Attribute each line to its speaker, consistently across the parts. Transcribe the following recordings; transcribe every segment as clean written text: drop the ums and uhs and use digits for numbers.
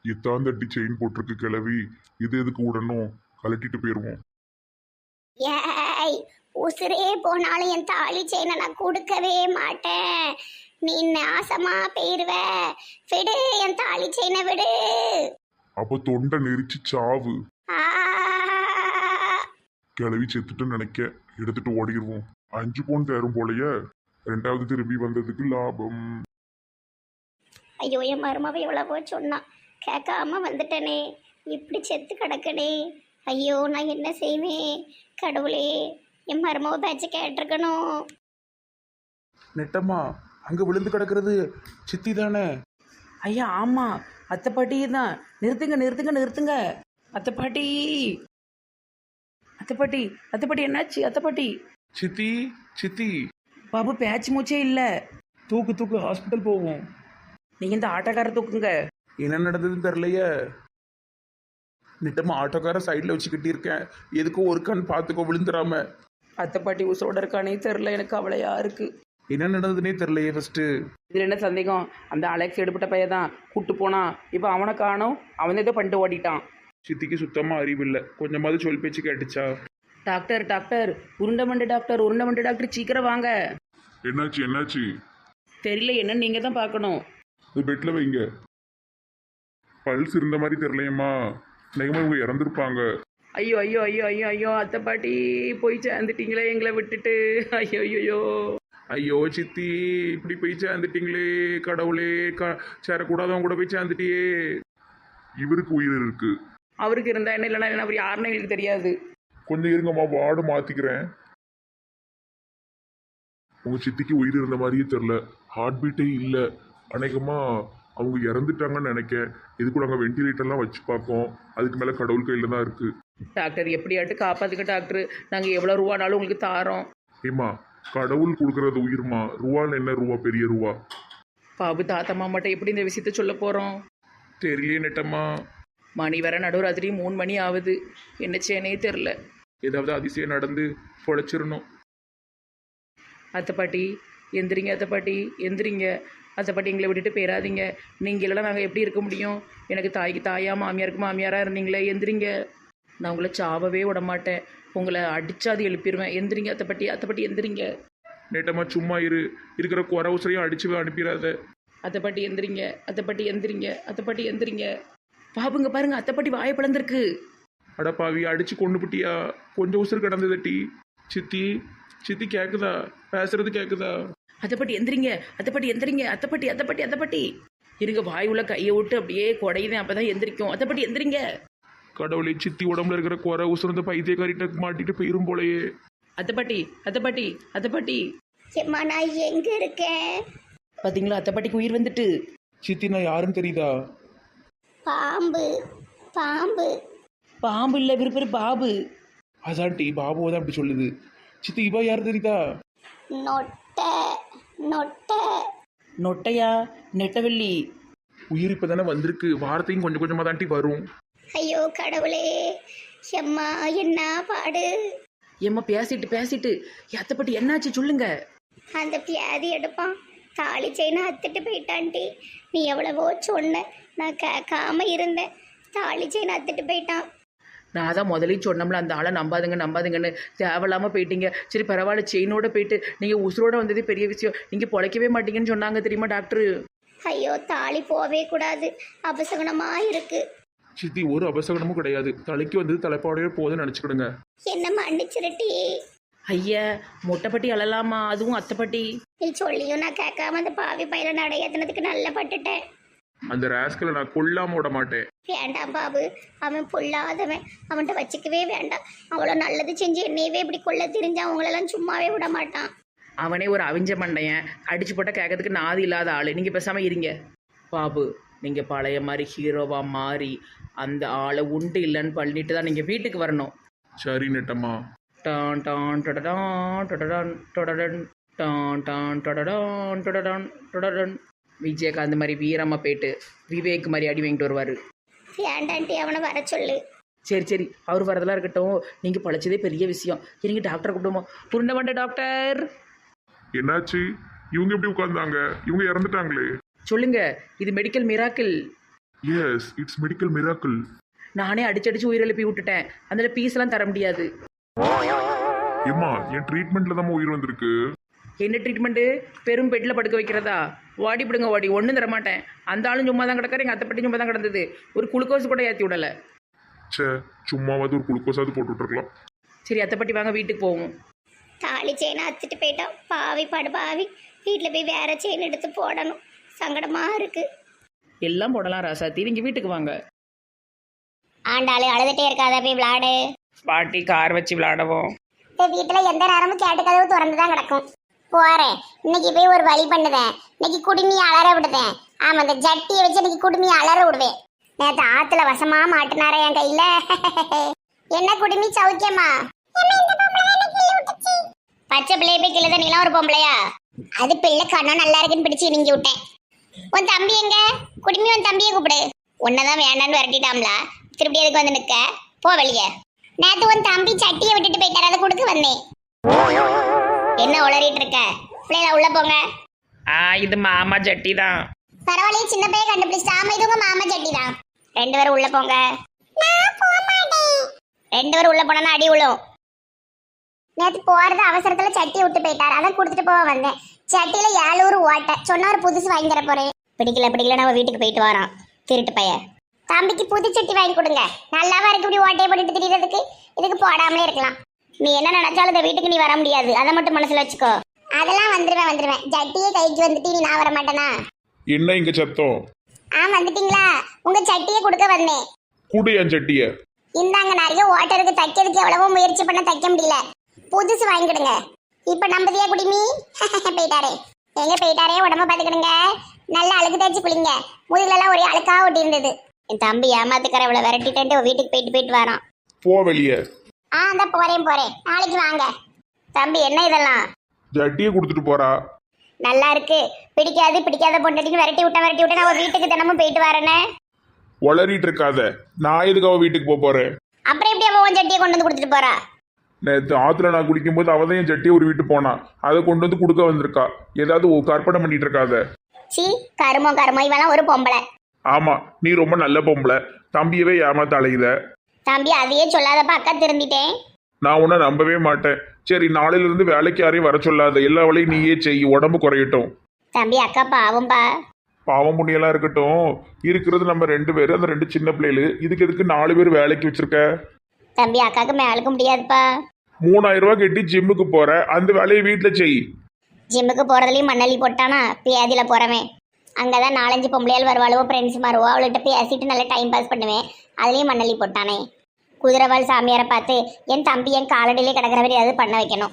Speaker 1: இத்தாந்தட்டி chain போட்டிருக்கு கிளவி. இது எதுக்கு விடணும்? கழட்டிட்டு போயிருவோம்.
Speaker 2: ஏய், உசுரே போனாலும் என் தாலி செயினை நான் கொடுக்கவே மாட்டேன். நீ நாசமா போயிருவ. விடு, என் தாலி செயினை விடு.
Speaker 1: அப்ப தொண்டை நெரிச்சு சாவு.
Speaker 2: ஆ,
Speaker 1: கிளவி செத்துட்டுன்னு நினைக்க. எடுத்துட்டு ஓடிடுவோம். 5 பவுன் தேரும் போலயே. 2வது திரும்பி வந்ததுக்கு லாபம்.
Speaker 2: ஐயோ, என் மருமவ எவ்வளவோ சொன்னான், கேட்காம வந்துட்டனே. இப்படி செத்து கிடக்கனே. ஐயோ, நான் என்ன செய்வேன்? கடவுளே, என் மருமவ பேச்ச கேட்டிருக்கணும்.
Speaker 3: நெட்டம்மா, அங்கே விழுந்து கிடக்கிறது சித்தி தானே?
Speaker 4: ஐயா ஆமாம், அத்தை பாட்டி தான். நிறுத்துங்க நிறுத்துங்க நிறுத்துங்க. அத்தை பாட்டி, அத்தை பாட்டி, அத்தை பாட்டி என்னாச்சு? அத்தை பாட்டி.
Speaker 3: சித்தி, சித்தி.
Speaker 4: பாபு பேச்சு மூச்சே இல்லை.
Speaker 3: தூக்கு தூக்கு, ஹாஸ்பிட்டல் போவோம்.
Speaker 4: நீங்கள் இந்த ஆட்டோக்கார தூக்குங்க.
Speaker 3: என்ன நடந்ததுன்னு தெரியலையே. நெட்டம்மா, ஆட்டோக்கார சைடில் வச்சு கட்டியிருக்கேன். எதுக்கும் ஒரு கண் பார்த்துக்கோ, விழுந்துடாம.
Speaker 4: அத்தை பாட்டி உசுரோட இருக்கானே தெரில, எனக்கு அவளையா இருக்கு.
Speaker 3: என்ன நடந்ததுன்னே தெரியலையே ஃபர்ஸ்ட்.
Speaker 4: இதில் என்ன சந்தேகம்? அந்த அலெக்ஸ் எடுப்பட்ட பையன் தான் கூட்டு போனான். இப்போ அவனை காணோம். அவன் ஏதோ பண்ணிட்டு ஓடிட்டான்.
Speaker 3: சித்திக்கு சுத்தமாக அறிவில்லை. கொஞ்சமாவது சொல் பேச்சு கேட்டுச்சா?
Speaker 4: டாக்டர் டாக்டர், உருண்டமண்டு டாக்டர், உருண்டமண்டு டாக்டர், சீக்கிரம் வாங்க.
Speaker 1: என்னாச்சு என்னாச்சு?
Speaker 4: தெரியல, என்னன்னு நீங்கள் தான் பார்க்கணும்.
Speaker 1: இது பெட்ல வைங்க. பல்ஸ் இருந்த மாதிரி தெரியலையம்மா. நிஜமா இவங்க இறந்துருப்பாங்க.
Speaker 4: ஐயோ ஐயோ ஐயோ ஐயோ ஐயோ, அத்தை பாட்டி போய் சேர்ந்துட்டீங்களே எங்களை விட்டுட்டு. ஐயோ ஐயோ.
Speaker 3: ஐயோ சித்தி, இப்படி போய் சேர்ந்துட்டீங்களே. கடவுளே, சேரக்கூடாதவங்க கூட போய் சேர்ந்துட்டியே.
Speaker 1: இவருக்கு உயிர் இருக்கு.
Speaker 4: அவருக்கு இருந்தா என்ன, இல்லைன்னா என்ன, அவர் யாருன்னு எங்களுக்கு தெரியாது.
Speaker 1: கொஞ்சம் இருங்கம்மா, வார்டு மாத்திக்கிறேன். உங்க சித்திக்கு உயிர் இருந்த மாதிரியே தெரியல. ஹார்ட் பீட்டே இல்லை. அநேகமா அவங்க இறந்துட்டாங்கன்னு நினைக்க. இதுக்கு நாங்கள் வெண்டிலேட்டர்லாம் வச்சு பார்க்கோம். அதுக்கு மேலே கடவுள் கையில் தான் இருக்கு.
Speaker 4: டாக்டர் எப்படியாட்டு காப்பாத்துக்க டாக்டர். நாங்கள் எவ்வளோ ரூபானாலும் உங்களுக்கு தாரோம்.
Speaker 1: ஏம்மா, கடவுள் கொடுக்கறது உயிர்மா. ரூபான்னு என்ன ரூபா? பெரிய ரூபா.
Speaker 4: பாபு தாத்தா மாமாட்ட எப்படி இந்த விஷயத்த சொல்ல போகிறோம்?
Speaker 3: தெரியலையே நெட்டம்மா.
Speaker 4: மணி வர நடுராத்திரி 3 மணி ஆகுது. என்ன செய்யனே தெரில.
Speaker 3: ஏதாவது அதிசயம் நடந்து பொழைச்சிடணும்.
Speaker 4: அத்தை பாட்டி எந்திரிங்க, அத்தை பாட்டி எந்திரிங்க. அத்தை பாட்டி எங்களை விட்டுட்டு போயிடாதீங்க. நீங்கள் இல்லைனா நாங்கள் எப்படி இருக்க முடியும்? எனக்கு தாய்க்கு தாயா, மாமியாருக்கு மாமியாராக இருந்தீங்களே. எந்திரிங்க. நான் உங்களை சாவவே விட மாட்டேன். உங்களை அடிச்சாது எழுப்பிடுவேன். எந்திரிங்க அத்தை பாட்டி, அத்தை பாட்டி எந்திரிங்க.
Speaker 3: நெட்டம்மா சும்மா இரு. இருக்கிற குறை உசரையும் அடிச்சு அனுப்பிடாத.
Speaker 4: அத்தை பாட்டி எந்திரிங்க, அத்தை பாட்டி எந்திரிங்க, அத்தை பாட்டி எந்திரிங்க. பாபுங்க பாருங்க, அத்தை பாட்டி வாயை பிளந்திருக்கு.
Speaker 3: அடப்பாவி, அடிச்சு கொண்டு புட்டியா? கொஞ்சம் உசுறு கிடந்ததட்டி. சித்தி, சித்தி கேட்குதா? பேசுறது கேட்குதா?
Speaker 4: அத்தை பாட்டி எந்திரிங்க, அத்தை பாட்டி எந்திரிங்க, அத்தை பாட்டி, அத்தை பாட்டி, அத்தை பாட்டி. இருங்க, வாய் உள்ள கையை விட்டு அப்படியே குடையுதேன், அப்பதான் எந்திரிக்கும். அத்தை பாட்டி எந்திரிங்க.
Speaker 3: கடவுளை, சித்தி உடம்புல இருக்கிற குறை உசுரந்த பைத்தியக்காரிட்ட மாட்டிட்டு போயிரும் போலயே.
Speaker 4: அத்தை பாட்டி, அத்தை பாட்டி, அத்தை பாட்டி.
Speaker 2: ஏம்மா, நான் எங்க இருக்கேன்?
Speaker 4: பாத்தீங்களா, அத்தை பாட்டிக்கு உயிர் வந்துட்டு.
Speaker 3: சித்தி, நான் யாருன்னு தெரியுதா?
Speaker 2: பாம்பு, பாம்பு.
Speaker 4: பாம்பு இல்லை, விருப்பரு பாபு.
Speaker 3: அதான் டி, பாபுவை தான் அப்படி சொல்லுது. சித்தி, இவா யார் தெரியுதா?
Speaker 2: நொட்டை, நொட்டை.
Speaker 4: நொட்டையா? நெட்டவெள்ளி.
Speaker 3: உயிர் இப்போ தானே வந்திருக்கு. வார்த்தையும் கொஞ்சம் கொஞ்சமாக தாண்டி வரும்.
Speaker 2: ஐயோ கடவுளே, எம்மா என்ன பாடு.
Speaker 4: ஏம்மா பேசிட்டு பேசிட்டு அத்தை பாட்டி என்னாச்சு சொல்லுங்க.
Speaker 2: அந்த பியாதி எடுப்பான், தாலி செயினை அத்துட்டு போயிட்டான்டி. நீ எவ்வளவோ சொன்ன, நான் கேட்காம இருந்தேன். தாலி செயினை அத்துட்டு போயிட்டான்.
Speaker 4: நான் தான் முதலே சொன்னோம்ல, அந்த ஆளை நம்பாதுங்க நம்பாதுங்கன்னு. தேவையில்லாமல் போயிட்டீங்க. சரி பரவாயில்ல, செயினோட போயிட்டு நீங்கள் உசுரோட வந்ததே பெரிய விஷயம். நீங்கள் பொழைக்கவே மாட்டீங்கன்னு சொன்னாங்க தெரியுமா டாக்டரு?
Speaker 2: ஐயோ, தாலி போவே கூடாது, அபசகுணமா இருக்கு.
Speaker 3: சித்தி, ஒரு அபசகனமும் கிடையாது. தலைக்கு வந்து தலைப்பாடையே போதுன்னு நினச்சிக்கிடுங்க.
Speaker 2: என்ன மன்னிச்சிருட்டி.
Speaker 4: ஐயா, மொட்டைப்பட்டி அழலாமா? அதுவும் அத்தை பாட்டி.
Speaker 2: நீ சொல்லியும் நான் கேட்காம அந்த பாவி பயில நடையத்தினதுக்கு நல்ல பட்டுட்டேன்.
Speaker 3: அந்த ராஸ்கலை நான் கொல்லாம விட மாட்டேன்.
Speaker 2: வேண்டாம் பாபு, அவன் பொல்லாதவன். அவன்கிட்ட வச்சுக்கவே வேண்டாம். அவ்வளோ நல்லது செஞ்சு என்னையவே இப்படி கொள்ள தெரிஞ்சு அவங்களெல்லாம் சும்மாவே விட மாட்டான்.
Speaker 4: அவனே ஒரு அவிஞ்ச மண்டையன். அடிச்சு போட்டால் கேட்கறதுக்கு நாதி இல்லாத ஆள். நீங்கள் பேசாமல் இருங்க. பாபு, நீங்கள் பழைய மாதிரி ஹீரோவாக மாறி அந்த ஆளை உண்டு இல்லைன்னு பண்ணிட்டு தான் நீங்கள் வீட்டுக்கு வரணும்.
Speaker 3: சரி நெட்டம்மா.
Speaker 4: டான் டான் டொடடான் டொடடான் டொடடன் டான் டான் டொடடான் டொடடான் டொடடன். விஜயகாந்த் மாதிரி வீரமாக போயிட்டு விவேக் மாதிரி அடி வாங்கிட்டு வருவார்.
Speaker 2: வேண்டான்ட்டி, அவனை வர சொல்லு.
Speaker 4: சரி சரி, அவர் வரதெல்லாம் இருக்கட்டும். நீங்கள் பழைச்சதே பெரிய விஷயம். இருங்க, டாக்டரை கூப்பிடுவோம். புருண்டமண்ட டாக்டர்.
Speaker 1: என்னாச்சு? இவங்க எப்படி உட்கார்ந்தாங்க? இவங்க இறந்துட்டாங்களே.
Speaker 4: சொல்லுங்க, இது medical miracle.
Speaker 1: Yes, it's medical miracle.
Speaker 4: நானே அடிச்சு உயிரெழுப்பி விட்டுட்டேன். அதில் பீஸ்லாம் தர முடியாது.
Speaker 1: ஏம்மா, என் ட்ரீட்மெண்ட்ல தான் உயிர் வந்திருக்கு.
Speaker 4: என்ன ட்ரீட்மெண்ட்டு? பெரும் பெட்டில் படுக்க வைக்கிறதா? ஓடி பிடுங்க ஓடி, ஒன்றும் தரமாட்டேன். அந்த ஆளும் சும்மா தான் கிடக்காரு, எங்கள் அத்தைப்பட்டி சும்மா தான் கிடந்தது. ஒரு குளுக்கோஸ் கூட ஏற்றி விடலை.
Speaker 1: ச்சே, சும்மாவது ஒரு குளுக்கோஸாவது போட்டு விட்டுருக்கலாம்.
Speaker 4: சரி அத்தைப்பட்டி வாங்க, வீட்டுக்கு போவோம்.
Speaker 2: தாலி செயினை அத்துட்டு போயிட்டோம். பாவி படு பாவி. வீட்டில் போய் வேற செயின் எடுத்து போடணும். சங்கடமாக இருக்கு.
Speaker 4: எல்லாம் போடலாம் ராசாத்தி, நீங்கள் வீட்டுக்கு வாங்க.
Speaker 2: ஆண்டாளு அழுதுட்டே இருக்காத, போய் விளாடு.
Speaker 4: பாட்டி கார் வச்சு விளாடவும்.
Speaker 2: இந்த வீட்டில் எந்த நேரமும் கேட்டு கதவு திறந்து தான் கிடக்கும். போறேன், இன்னைக்கு போய் ஒரு வழி பண்ணுவேன். இன்னைக்கு குடுமி அலற விடுவேன். ஆமா, இந்த ஜட்டியை வச்சு இன்னைக்கு குடுமி அலற விடுவேன். நேற்று ஆத்துல வசமா மாட்டினாரே என் கையில. என்ன குடுமி சௌக்கியமா? பச்சை பிள்ளைய போய் கிளத நீலாம் ஒரு பொம்பளையா? அது பிள்ளை கண்ணம் நல்லா இருக்குன்னு பிடிச்சி நீங்க விட்டேன். உன் தம்பி எங்க? குடுமி உன் தம்பியை கூப்பிடு. உன்னதான் வேண்டான்னு விரட்டிட்டாம்ல, திருப்பி எதுக்கு வந்து நிக்க? போ வெளியே. நேத்து உன் தம்பி சட்டியை விட்டுட்டு போயிட்டார், அதை கொடுக்க வந்தேன். என்ன உளறிட்டு இருக்க? பிள்ளைல உள்ள போங்க.
Speaker 4: இது மாமா ஜட்டி தான்.
Speaker 2: பரவாயில்லையே, சின்ன பையன் கண்டுபிடிச்சிட்டா. ஆமா, இது உங்க மாமா சட்டி தான். 2 பேரும் உள்ள போங்க. நான் போக மாட்டேன். 2 பேரும் உள்ள போனா அடி விழும். நேற்று போறது அவசரத்துல சட்டியை விட்டு போயிட்டார், அதான் கொடுத்துட்டு போக வந்தேன். சட்டியில 7 ஓட்டை சொன்னா ஒரு புதுசு வாங்கி தர போறேன். பிடிக்கல நம்ம வீட்டுக்கு போயிட்டு வரோம். திருட்டு பையன். தம்பிக்கு புது சட்டி வாங்கி கொடுங்க. நல்லாவா இருக்கு இப்படி ஓட்டையை போட்டுட்டு திரியறதுக்கு? இதுக்கு போடாமலே இருக்கலாம். நீ என்ன நினைச்சாலும் இந்த வீட்டுக்கு நீ வர முடியாது, அதை மட்டும் மனசுல வச்சுக்கோ. அதெல்லாம் வந்துருவேன். ஜட்டியே கைக்கு வந்துட்டு நீ நான் வர மாட்டேனா?
Speaker 1: என்ன இங்க சத்தம்?
Speaker 2: வந்துட்டீங்களா? உங்க சட்டியை கொடுக்க வந்தேன்.
Speaker 1: கூடு என் சட்டிய.
Speaker 2: இந்தாங்க, நிறைய ஓட்டை இருக்கு. தைக்கிறதுக்கு எவ்வளவோ முயற்சி பண்ண தைக்க முடியல. புதுசு வாங்கிடுங்க. இப்ப நம்பதியா குடிமி? போயிட்டாரே. எங்க போயிட்டாரே? உடம்ப பாத்துக்கிடுங்க. நல்லா அழுக்கு தேய்ச்சி குளிங்க. முதுகுலாம் ஒரே அழுக்கா ஒட்டி இருந்தது. என் தம்பி ஏமாத்துக்கார இவ்வளவு விரட்டிட்டு வீட்டுக்கு போயிட்டு வரான்.
Speaker 1: போ வெளியே.
Speaker 2: அந்த போறேன். நாளைக்கு வாங்க. தம்பி என்ன இதெல்லாம்?
Speaker 1: ஜட்டியை கொடுத்துட்டு போறா.
Speaker 2: நல்லா இருக்கு. பிடிக்காத பொண்டாட்டிக்கு விரட்டி விட்டேன். நான் வீட்டுக்கு தினமும் போயிட்டு வரேனே.
Speaker 1: வளரிட்டு இருக்காத. நான் எதுக்கு அவ வீட்டுக்கு போறேன்?
Speaker 2: அப்புறம் எப்படி அவன் உன் சட்டியை கொண்டு வந்து கொடுத்துட்டு போறா?
Speaker 1: நேற்று ஆத்துல நான் குடிக்கும்போது அவ தான் என் சட்டியை ஒரு வீட்டு போனா. அதை கொண்டு வந்து கொடுக்க வந்திருக்கா. ஏதாவது கற்பனை பண்ணிட்டு இருக்காத.
Speaker 2: சீ, கருமோ இவெல்லாம் ஒரு பொம்பளை.
Speaker 1: ஆமா, நீ ரொம்ப நல்ல பொம்பளை. தம்பியவே ஏமாத்த அலையுத.
Speaker 2: தம்பி அதையே சொல்லாதப்ப அக்கா திருந்திட்டேன்.
Speaker 1: நான் உன்னை நம்பவே மாட்டேன். சரி, நாளையில இருந்து வேலைக்கு யாரையும் வர சொல்லாத. எல்லா வேலையும் நீயே செய், உடம்பு குறையட்டும்.
Speaker 2: தம்பி அக்கா பாவம்பா.
Speaker 1: பாவம் புண்ணியெல்லாம் இருக்கட்டும். இருக்கிறது நம்ம 2 பேரு, அந்த 2 சின்ன பிள்ளைகளு. இதுக்கு எதுக்கு 4 பேர் வேலைக்கு வச்சிருக்க?
Speaker 2: தம்பி அக்காக்கு மேலுக்கு முடியாதுப்பா.
Speaker 1: 3000 ரூபாய் கட்டி ஜிம்முக்கு போற, அந்த வேலையை வீட்டுல செய்.
Speaker 2: ஜிம்முக்கு போறதுலயும் மண்ணள்ளி போட்டானா பியாதியில போறவன். அங்கதான் 4-5 பொம்பளையால் வருவாளுவோ, ஃப்ரெண்ட்ஸ் மாறுவோ. அவள்கிட்ட பேசிட்டு நல்லா டைம் பாஸ் பண்ணுவேன். அதுலயும் மண்ணள்ளி போட்டானே. குதிரவாள் சாமியாரை பார்த்து என் தம்பி என் காலடியிலே கிடக்கிற மாதிரி ஏதாவது பண்ண வைக்கணும்.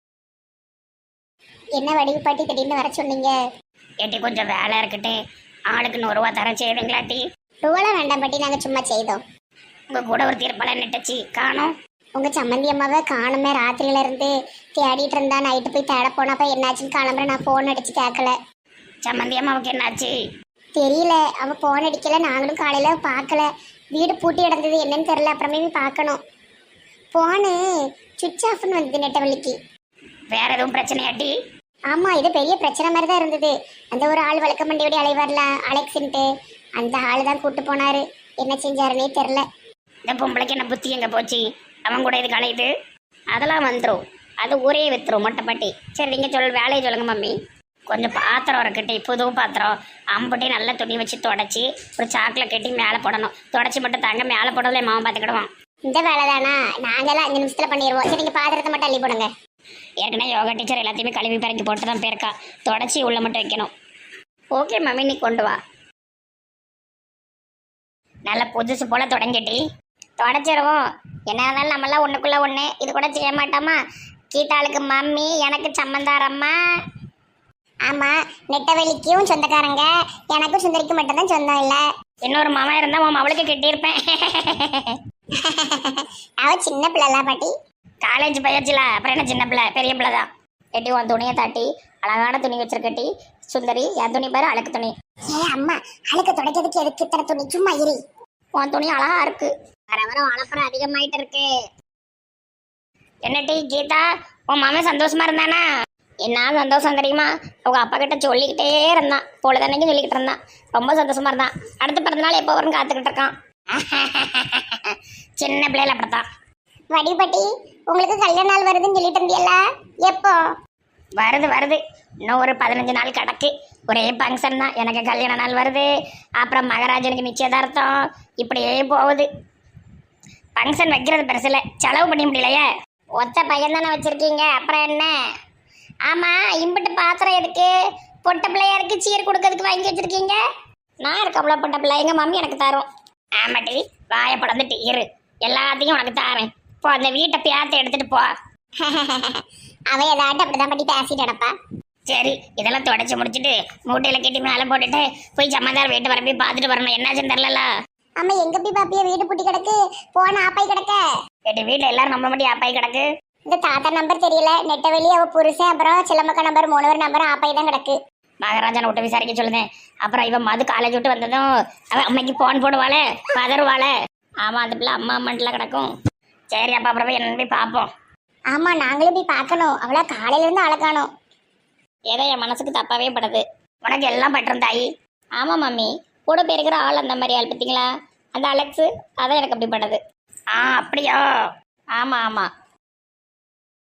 Speaker 2: என்ன வடிவு பாட்டி திடீர்னு வர சொன்னீங்க? ஏட்டி கொஞ்சம் வேலை இருக்கட்டு, ஆளுக்கு 100 ரூபா தர செய்வீங்களாட்டி? ரூபாலாம் வேண்டாம் பாட்டி, நாங்க சும்மா செய்தோம். உங்க கூட ஒரு தீர்ப்பெல்லாம் நெட்டுச்சு காணும். உங்க சம்மந்தி அம்மாவை காணுமே. ராத்திரியில இருந்து தேடிட்டு இருந்தா. நைட்டு போய் தேட போனப்ப என்னாச்சுன்னு கிளம்புற. நான் போன் அடிச்சு கேட்கல. சம்மந்தி அம்மாவுக்கு என்னாச்சு தெரியல. அவ போன் அடிக்கல, நாங்களும் காலையில பார்க்கல. வீடு பூட்டி கிடந்தது, என்னன்னு தெரியல. அப்புறமே பார்க்கணும். போனு சுவிட்ச் ஆஃப்னு வந்தது நெட்டவள்ளிக்கு. வேற எதுவும் பிரச்சனையாட்டி? ஆமா, இது பெரிய பிரச்சனை மாதிரி தான் இருந்தது. அந்த ஒரு ஆள் வழக்க மண்டியோட அலைவார்ல, அலெக்ஸ்ன்ட்டு, அந்த ஆள் தான் கூட்டு போனாரு. என்ன செஞ்சாருன்னே தெரில. இந்த பொம்பளைக்கு என்ன புத்தி எங்க போச்சு? அவன் கூட இது கலையுது. அதெல்லாம் வந்துடும். அது ஊரே வித்துரும் மொட்டைப்பாட்டி. சரி, நீங்கள் வேலையை சொல்லுங்க மம்மி. கொஞ்சம் பாத்திரம் இருக்கட்டி, புது பாத்திரம் அம்புட்டி நல்ல துணி வச்சு தொடச்சி ஒரு சாக்கில் கட்டி மேலே போடணும். தொடச்சி மட்டும் தாங்க, மேலே போடல மாமா பார்த்துக்கிடுவான். இந்த வேலை தானா? நாங்கெல்லாம் 5 நிமிஷத்தில் பண்ணிடுவோம். சரி, நீங்கள் பாத்திரத்தை மட்டும் அள்ளி போடுங்க. ஏற்கனவே யோகா டீச்சர் எல்லாத்தையுமே கழுவி பறக்கி போட்டு தான் போயிருக்கா. தொடச்சி உள்ள மட்டும் வைக்கணும். ஓகே மம்மி, நீ கொண்டு வா. நல்லா புதுசு போல் தொடங்கிட்டி. தொடச்சிருவோம். என்ன இருந்தாலும் நம்மளாம் ஒன்றுக்குள்ளே ஒன்று. இது கூட செய்ய மாட்டோமா? கீதாளுக்கு மம்மி, எனக்கு சம்மந்தாரம்மா. ஆமாம், நெட்டவெளிக்கும் சொந்தக்காரங்க. எனக்கும் சுந்தரிக்கு மட்டும்தான் சொந்தம் இல்லை. இன்னொரு மாமா இருந்தால் உன் அவளுக்கு கட்டியிருப்பேன். அவள் சின்ன பிள்ளைல பாட்டி. காலேஜ் பயிற்சில அப்புறம் என்ன சின்ன பிள்ளை? பெரிய பிள்ளை தான். கட்டி உன் துணியை தாட்டி அழகான துணி வச்சிருக்கட்டி. சுந்தரி, என் துணி பாரு, அழுக்கு துணி. ஏ அம்மா, அழுக்க துடைக்கிறதுக்கு எதுக்கு இத்தனை துணி? சும்மா இரு. உன் துணி அழகா இருக்கு. வர வர வளப்புறம் அதிகமாயிட்டு இருக்கு. என்ன டீ கீதா, உன் மாமன் சந்தோஷமா இருந்தானா? என்ன சந்தோஷம் தெரியுமா? அவங்க அப்பா கிட்ட சொல்லிக்கிட்டே இருந்தான், பொழுதன்னைக்கும் சொல்லிக்கிட்டு இருந்தான். ரொம்ப சந்தோஷமா இருந்தான். அடுத்த பிறந்த நாள் எப்போ வரும்னு காத்துக்கிட்டு இருக்கான். சின்ன பிள்ளைல அப்படித்தான். வடிபட்டி, உங்களுக்கு கல்யாண நாள் வருதுன்னு சொல்லிட்டு இருந்தியல்ல, எப்போ? வருது வருது, இன்னும் ஒரு 15 நாள் கிடக்கு. ஒரே ஃபங்க்ஷன் தான். எனக்கு கல்யாண நாள் வருது, அப்புறம் மகராஜனுக்கு நிச்சயதார்த்தம், இப்படியே போகுது. ஃபங்க்ஷன் வைக்கிறது பெருசில், செலவு பண்ண முடியலையே. ஒத்த பையன் தானே வச்சிருக்கீங்க, அப்புறம் என்ன? ஆமா, இம்பிட்டு பாத்திரம் எதுக்கு? பொட்ட பிள்ளையாருக்கு சீர் கொடுக்கறதுக்கு வாங்கி வச்சிருக்கீங்க. நான் இருக்கவ்வளோ பொட்ட பிள்ளை, எங்க மம்மி எனக்கு தரும். ஆமாட்டி, வாயை படந்துட்டு இரு, எல்லாத்தையும் உனக்கு தாரேன். போ, அந்த வீட்டை பேத்த எடுத்துட்டு போ. அவ ஏதாட்டும் அப்படிதான் பட்டி பேசிட்டு கிடப்பா. சரி, இதெல்லாம் தொடச்சி முடிச்சுட்டு மூட்டையில கட்டி மேலே போட்டுட்டு போய் ஜமாதார் வீட்டு வர போய் பார்த்துட்டு வரணும். என்னாச்சுன்னு தெரியல. ஆமா, எங்க போய் பாப்பிய? வீடு பூட்டி கிடக்கு, போன ஆப்பாய் கிடக்க. கேட்டு வீட்டுல எல்லாரும் நம்ப மாட்டி ஆப்பாய் கிடக்கு. இந்த தாத்தா நம்பர் தெரியல, நெட்டவெளி, அவ புருஷன், அப்புறம் சிலம்பக்கா நம்பர், 3 பேர் நம்பர் ஆப்பாய் தான் கிடக்கு. மகாராஜனை விட்டு விசாரிக்க சொல்லுதேன். அப்புறம் இவன் மது காலேஜ் விட்டு வந்ததும் அவன் அம்மைக்கு போன் போடுவாளே, பதறுவாளே. ஆமா, அந்த பிள்ளை அம்மா அம்மன்ட்டுல கிடக்கும். சரி, அப்ப அப்புறம் போய் என்ன போய் பார்ப்போம். ஆமா, நாங்களும் போய் பார்க்கணும். அவளா காலையில இருந்து அழகானோம். ஏதோ என் மனசுக்கு தப்பாவே படுது. உனக்கு எல்லாம் பட்டுரும் தாயி. ஆமா மம்மி, கூட போயிருக்கிற ஆள் அந்த மாதிரி ஆள் பார்த்தீங்களா, அந்த அலெக்ஸு, அதான் எனக்கு அப்படி படுது. அப்படியா? ஆமா ஆமா,